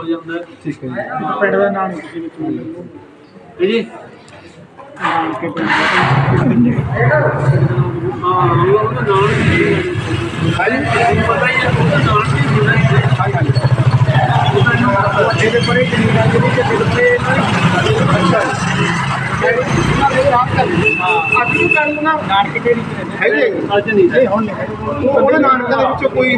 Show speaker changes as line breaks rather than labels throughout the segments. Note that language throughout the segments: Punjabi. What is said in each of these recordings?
ਹੋ ਜਾਂਦਾ ਹੈ।
ਠੀਕ ਹੈ ਜੀ।
ਪਿੰਡ ਦਾ ਨਾਂ ਨਹੀਂ ਕਿਸੇ ਵਿੱਚ
ਹੈ ਜੀ।
ਨਾਨਕੇ ਪਿੰਡ ਦਾ
ਹਾਂ ਉਹਦਾ ਨਾਮ ਕੀ ਹੈ? ਪਤਾ ਹੀ ਹੈ ਉਹਦਾ ਨਾਮ ਕੀ ਹੁੰਦਾ ਹੈ।
ਇਹਦੇ ਪਰੇ ਜ਼ਮੀਨਾਂ ਜਿਹੜੀ ਕਿ ਦਿੱਤੇ ਨਾਨਕੇ ਦੇ ਵਿੱਚ
ਹੈਗੇ
ਅੱਜ ਨਹੀਂ
ਨਹੀਂ ਹੁਣ ਨਹੀਂ
ਉਹਦੇ ਨਾਨਕਾਂ ਦੇ ਵਿੱਚੋਂ ਕੋਈ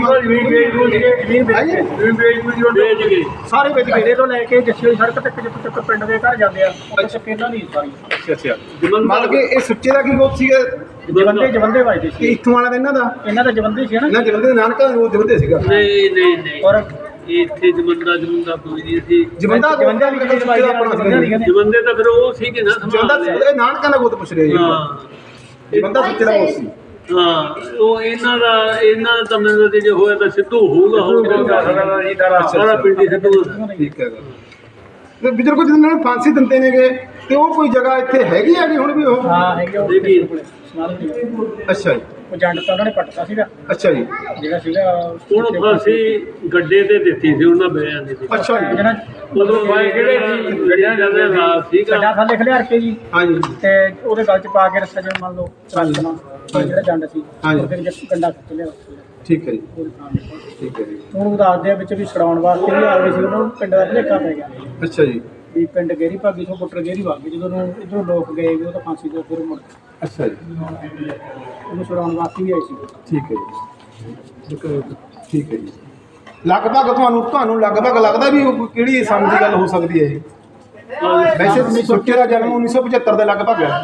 ਵੇਚ ਗਏ
ਸਾਰੇ ਵਿੱਚ ਘੇਰੇ ਤੋਂ ਲੈ ਕੇ ਜੱਸੀ ਵਾਲੀ ਸੜਕ ਤੱਕ ਜਿੱਥੇ ਤੱਕ ਪਿੰਡ ਦੇ ਘਰ ਜਾਂਦੇ ਆ ਉੱਥੇ ਪਹਿਲਾਂ ਨਹੀਂ ਸਾਰੀ।
ਅੱਛਾ ਅੱਛਾ। ਮਤਲਬ ਕਿ ਇਹ ਸੁੱਚੇ ਦਾ ਕੀ ਗੋਤ ਸੀਗਾ?
ਜਵੰਦੇ ਵੱਜਦੇ
ਕਿ
ਸੀ
ਇੱਥੋਂ ਵਾਲਾ ਦਾ
ਇਹਨਾਂ ਦਾ ਜਵੰਦੇ ਸੀ ਨਾ।
ਇਹਨਾਂ ਜਵੰਦੇ ਦੇ ਨਾਨਕਾ ਉਹ ਜਵੰਦੇ ਸੀਗਾ।
ਨਹੀਂ ਨਹੀਂ ਨਹੀਂ
ਔਰ
ਇੱਥੇ ਜਮੰਦਾ ਕੋਈ ਨਹੀਂ ਸੀ।
ਜਵੰਦਾ
ਵੀ
ਜਮੰਦੇ ਤਾਂ ਫਿਰ ਉਹ ਸੀ ਕਿ ਨਾ
ਜਵੰਦਾ ਇਹ ਨਾਨਕਾ ਦਾ ਗੋਤ ਪੁੱਛ ਰਹੇ ਜੀ। ਜਵੰਦਾ ਸੁੱਚੇ ਦਾ ਗੋਤ ਸੀ।
ਹਾਂ ਉਹ ਇਹਨਾਂ ਦਾ ਤਾਂ ਮੈਨੂੰ ਤੇ ਜੇ ਹੋਇਆ ਤਾਂ ਸਿੱਧੂ ਹੋਊਗਾ ਸਾਰਾ ਪਿੰਡ ਹੀ ਸਿੱਧੂ।
ਠੀਕ ਹੈ। ਤੇ ਬਜ਼ੁਰਗੋ ਜਿਹਨਾਂ ਨੂੰ ਫਾਂਸੀ ਦਿੰਦੇ ਨੇਗੇ ਤੇ ਉਹ ਕੋਈ ਜਗ੍ਹਾ ਇੱਥੇ ਹੈਗੀ ਆ ਵੀ ਹੁਣ ਵੀ ਉਹ?
ਹਾਂ ਹੈਗੇ ਉਹ
ਦੇਖੀ।
ਅੱਛਾ ਜੀ।
ਉਹ ਜੰਡ ਤਾਂ ਉਹਨਾਂ ਨੇ ਪੱਟਦਾ ਸੀਗਾ
ਅੱਛਾ ਜੀ।
ਜਿਹੜਾ ਸੀਗਾ
ਹੁਣ ਫਾਂਸੀ ਗੱਡੇ ਤੇ ਦਿੱਤੀ ਸੀ ਉਹਨਾਂ ਬਿਆਂ ਦੀ।
ਅੱਛਾ ਜੀ।
ਜਿਹੜਾ
ਉਦੋਂ ਬਾਈ ਕਿਹੜੇ ਸੀ ਗੱਡਿਆਂ ਜਾਂਦੇ ਨਾਲ ਸੀਗਾ।
ਗੱਡਾ ਥੱਲੇ ਖਲਿਆਰ ਕੇ ਜੀ
ਹਾਂਜੀ
ਤੇ ਉਹਦੇ ਗਲ ਚ ਪਾ ਕੇ ਰੱਸਾ ਜਿਹਾ ਮੰਨ ਲਓ ਚੱਲਣਾ ਜਿਹੜਾ ਜੰਡ ਸੀ
ਹਾਂਜੀ।
ਫਿਰ ਗੰਡਾ ਖਿੱਚ ਲਿਆ
ਠੀਕ ਹੈ ਜੀ। ਠੀਕ ਹੈ ਜੀ।
ਹੁਣ ਦੱਸਦੇ ਆ ਵਿੱਚ ਵੀ ਛਡਾਉਣ ਵਾਸਤੇ ਵੀ ਆ ਗਏ ਸੀ ਉਹਨੂੰ ਪਿੰਡ ਦਾ ਭਲੇਖਾ ਪੈ ਗਿਆ
ਅੱਛਾ ਜੀ।
ਵੀ ਪਿੰਡ ਗੇਰੀ ਭਾਗੀ ਤੋਂ ਪੁੱਟਰ ਗੇਰੀ ਵਗ ਗਏ ਜਦੋਂ ਇੱਧਰੋਂ ਲੋਕ ਗਏ ਵੀ ਉਹ ਤਾਂ ਫਾਂਸੀ ਤੋਂ ਫਿਰ ਮੁੜ
ਅੱਛਾ ਜੀ।
ਉਹਨੂੰ ਛਡਾਉਣ ਵਾਸਤੇ ਵੀ ਆਏ ਸੀ।
ਠੀਕ ਹੈ ਜੀ। ਠੀਕ ਹੈ ਜੀ। ਲਗਭਗ ਤੁਹਾਨੂੰ ਲਗਭਗ ਲੱਗਦਾ ਵੀ ਉਹ ਕਿਹੜੀ ਸਾਲ ਦੀ ਗੱਲ ਹੋ ਸਕਦੀ ਹੈ ਇਹ? ਵੈਸੇ ਸੁੱਚੇ ਦਾ ਜਨਮ 1975 ਦੇ ਲਗਭਗ ਹੈ।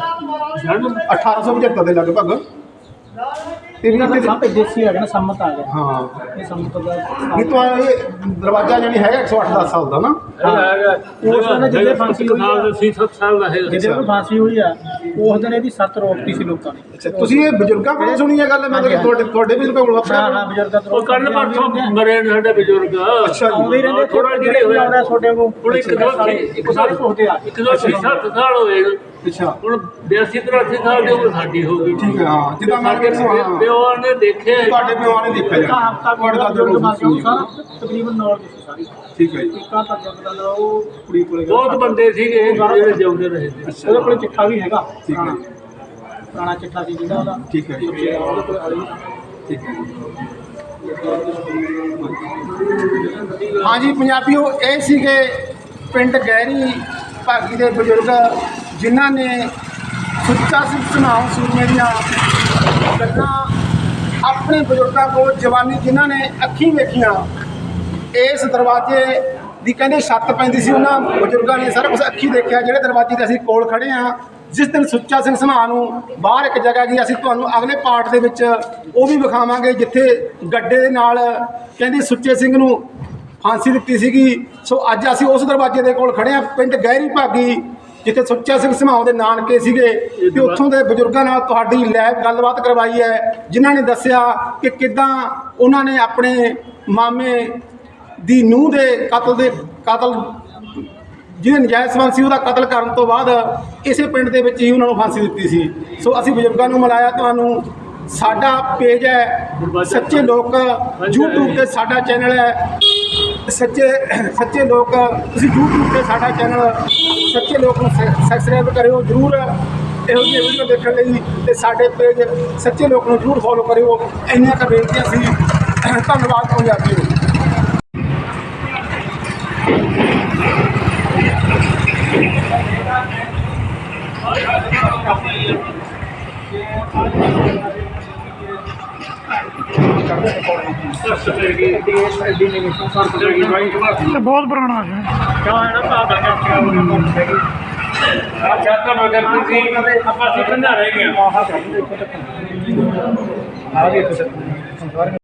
1875 ਦੇ ਲਗਭਗ। ਤੇ ਵੀ
ਸਭ ਦੇਸੀ ਹੈਗਾ ਨਾ ਸੰਮਤ ਆ ਗਿਆ।
ਹਾਂ
ਇਹ ਸੰਮਤ ਦਾ
ਨਹੀਂ ਤਾਂ ਇਹ ਦਰਵਾਜ਼ਾ ਜਾਨੀ ਹੈਗਾ 108-10 ਸਾਲ ਦਾ ਨਾ।
ਉਸ ਦਿਨ ਜਿਹਦੇ ਫਾਂਸੀ ਹੋਈ ਆ
7 ਸਾਲ ਦਾ ਹੈ।
ਜਿਹਦੇ ਨੂੰ ਫਾਂਸੀ ਹੋਈ ਆ ਉਸ ਦਿਨ ਇਹਦੀ 7 ਰੋਕਤੀ ਸੀ ਲੋਕਾਂ ਨੇ।
ਅੱਛਾ ਤੁਸੀਂ ਇਹ ਬਜ਼ੁਰਗਾਂ ਕੋਲੋਂ ਸੁਣੀ ਹੈ ਗੱਲ? ਮਤਲਬ ਤੁਹਾਡੇ ਬਜ਼ੁਰਗਾਂ ਕੋਲੋਂ?
ਹਾਂ ਬਜ਼ੁਰਗਾਂ ਤੋਂ
ਉਹ ਕੱਲ ਪਰਸੋਂ ਮਰੇ ਨੇ ਸਾਡੇ ਬਜ਼ੁਰਗ।
ਅੱਛਾ ਜੀ।
ਆਉਂਦੇ ਹੀ ਰਹਿੰਦੇ
ਥੋੜਾ ਜਿਹੜੇ ਹੋਇਆ
ਆਉਂਦਾ ਤੁਹਾਡੇ ਕੋਲ
ਹੁਣ ਇੱਕ
ਸਾਰੇ ਪੁੱਛਦੇ ਆ
7 ਸਾਲ ਹੋਏ।
ਅੱਛਾ।
ਹੁਣ 82-83 ਸਾਲ ਦੀ ਉਮਰ ਸਾਡੀ ਹੋ ਗਈ।
ਠੀਕ ਹੈ। ਹਾਂ ਜਿੱਦਾਂ ਮੈਂ
ਪਿਓ ਨੇ ਦੇਖਿਆ
ਤੁਹਾਡੇ ਪਿਓ ਨੇ ਦੇਖਿਆ ਜੀ।
ਹਫਤਾ
ਤੁਹਾਡੇ ਦਾਦੇ
ਕੋਲ
ਕੋਲ
ਸਾਰਾ ਤਕਰੀਬਨ ਨੌਲੇਜ ਸੀ ਸਾਰੀ।
ਠੀਕ ਹੈ ਜੀ।
ਇੱਕਾ ਤੱਕ ਦਾ ਉਹ ਕੁੜੀ ਕੋਲੇ
ਬਹੁਤ ਬੰਦੇ ਸੀਗੇ ਜਿਹੜੇ ਜਿਉਂਦੇ ਰਹੇ।
ਉਹਦੇ ਕੋਲ ਚਿੱਠਾ ਵੀ ਹੈਗਾ।
ਠੀਕ ਹੈ।
ਪੁਰਾਣਾ ਚਿੱਠਾ ਸੀ ਜਿਹੜਾ ਉਹਦਾ।
ਠੀਕ ਹੈ ਜੀ।
ਉਹਦੇ ਕੋਲ ਹਾਲੇ ਵੀ
ਠੀਕ ਹੈ। ਹਾਂਜੀ ਪੰਜਾਬੀਓ, ਇਹ ਸੀਗੇ ਪਿੰਡ ਗਹਿਰੀ ਭਾਗੀ ਦੇ ਬਜ਼ੁਰਗ ਜਿਨ੍ਹਾਂ ਨੇ ਸੁੱਚਾ ਸਿੰਘ ਸਮਾਉ ਸੂਰਮੇ ਦੀਆਂ ਗੱਲਾਂ ਆਪਣੇ ਬਜ਼ੁਰਗਾਂ ਕੋਲ ਜਵਾਨੀ ਜਿਨ੍ਹਾਂ ਨੇ ਅੱਖੀਂ ਵੇਖੀਆਂ। ਇਸ ਦਰਵਾਜ਼ੇ ਦੀ ਕਹਿੰਦੇ ਛੱਤ ਪੈਂਦੀ ਸੀ, ਉਹਨਾਂ ਬਜ਼ੁਰਗਾਂ ਨੇ ਸਾਰਾ ਕੁਝ ਅੱਖੀਂ ਦੇਖਿਆ। ਜਿਹੜੇ ਦਰਵਾਜ਼ੇ 'ਤੇ ਅਸੀਂ ਕੋਲ ਖੜ੍ਹੇ ਹਾਂ, ਜਿਸ ਦਿਨ ਸੁੱਚਾ ਸਿੰਘ ਸਮਾਉ ਨੂੰ ਬਾਹਰ ਇੱਕ ਜਗ੍ਹਾ ਗਈ, ਅਸੀਂ ਤੁਹਾਨੂੰ ਅਗਲੇ ਪਾਰਟ ਦੇ ਵਿੱਚ ਉਹ ਵੀ ਵਿਖਾਵਾਂਗੇ ਜਿੱਥੇ ਗੱਡੇ ਦੇ ਨਾਲ ਕਹਿੰਦੇ ਸੁੱਚੇ ਸਿੰਘ ਨੂੰ ਫਾਂਸੀ ਦਿੱਤੀ ਸੀਗੀ। ਸੋ ਅੱਜ ਅਸੀਂ ਉਸ ਦਰਵਾਜ਼ੇ ਦੇ ਕੋਲ ਖੜ੍ਹੇ ਹਾਂ ਪਿੰਡ ਗਹਿਰੀ ਭਾਗੀ, ਜਿੱਥੇ ਸੁੱਚਾ ਸਿੰਘ ਸਮਾਉ ਦੇ ਨਾਨਕੇ ਸੀਗੇ। ਤੇ ਉੱਥੋਂ ਦੇ ਬਜ਼ੁਰਗਾਂ ਨਾਲ ਤੁਹਾਡੀ ਲਾਈਵ ਗੱਲਬਾਤ ਕਰਵਾਈ ਹੈ, ਜਿਨ੍ਹਾਂ ਨੇ ਦੱਸਿਆ ਕਿ ਕਿੱਦਾਂ ਉਹਨਾਂ ਨੇ ਆਪਣੇ ਮਾਮੇ ਦੀ ਨੂੰਹ ਦੇ ਕਤਲ ਜਿਹਦੇ ਨਜਾਇਜ਼ ਸੰਬੰਧ ਸੀ ਉਹਦਾ ਕਤਲ ਕਰਨ ਤੋਂ ਬਾਅਦ ਇਸੇ ਪਿੰਡ ਦੇ ਵਿੱਚ ਹੀ ਉਹਨਾਂ ਨੂੰ ਫਾਂਸੀ ਦਿੱਤੀ ਸੀ। ਸੋ ਅਸੀਂ ਬਜ਼ੁਰਗਾਂ ਨੂੰ ਮਿਲਾਇਆ। ਤੁਹਾਨੂੰ ਸਾਡਾ ਪੇਜ ਹੈ ਸੱਚੇ ਲੋਕ YouTube ਤੇ, ਸਾਡਾ ਚੈਨਲ ਹੈ ਸੱਚੇ ਲੋਕ। ਤੁਸੀਂ YouTube ਤੇ ਸਾਡਾ ਚੈਨਲ ਸੱਚੇ ਲੋਕ ਨੂੰ ਸਬਸਕ੍ਰਾਈਬ ਕਰਿਓ ਜ਼ਰੂਰ ਇਹੋ ਜਿਹੀ ਵੀਡੀਓ ਦੇਖਣ ਲਈ, ਤੇ ਸਾਡੇ ਪੇਜ ਸੱਚੇ ਲੋਕ ਨੂੰ ਜ਼ਰੂਰ ਫੋਲੋ ਕਰਿਓ। ਇੰਨੀਆਂ ਕੁ ਬੇਨਤੀਆਂ ਸੀ। ਧੰਨਵਾਦ ਪੰਜਾਬੀਓ।
ਬਹੁਤ ਪੁਰਾਣਾ ਹੈ। ਕਿਉਂ ਹੈ ਨਾ ਭਾਦਾ ਆਪਾਂ ਸਿੱਖਣ ਜਾ ਰਹੇ ਹਾਂ। ਆ ਗਏ